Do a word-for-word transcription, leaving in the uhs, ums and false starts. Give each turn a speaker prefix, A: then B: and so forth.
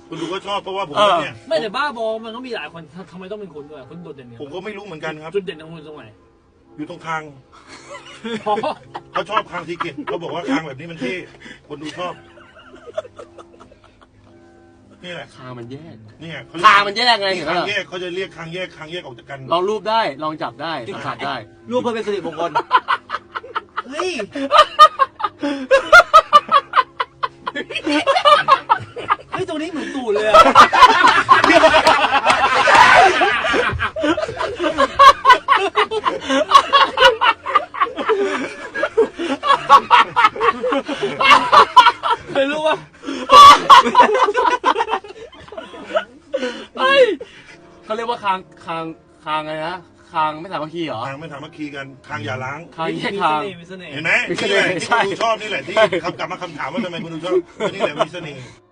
A: คุณดูก็ชอบเพราะว่าผมเนี่ย
B: ไม่แต่บ้าบอมันก็มีหลายคนทำไมต้องเป็นคุณด้วยคุณโดดเด่นเนี่ย
A: ผมก็ไม่รู้เหมือนกันครับ
B: จุดเด่นของคุณตรงไหน
A: อยู่ตรงคางเขาชอบคางทีเกตเขาบอกว่าคางแบบนี้มันเท่คนดูชอบนี่แหละ
C: คางมันแยก
A: นี่
C: คางมันแยกไงเห็นไหม
A: คางแยกเขาจะเรียกคางแยกคางแยกออกจากกัน
C: ลองรูปได้ลองจับได้สัมผัสได้
D: รูปเพื่อเป็นสิริมงคลเฮ้ยเฮ้ยตรงนี้เหมือนตูดเลยอะ
B: เคยรู้ว่า
C: เขาเรียกว่าคางคางคางอะไรนะคางไม่สามัคคีเหรอ
A: คางไม่สามัคคีกันคางอย่าล้าง
C: คางแยกคาง
A: เห็นไหมนี่แหละที่คุณดูชอบนี่แหละที่คำกลับมาคำถามว่าทำไมคุณดูชอบนี่แหละมีเสน่ห์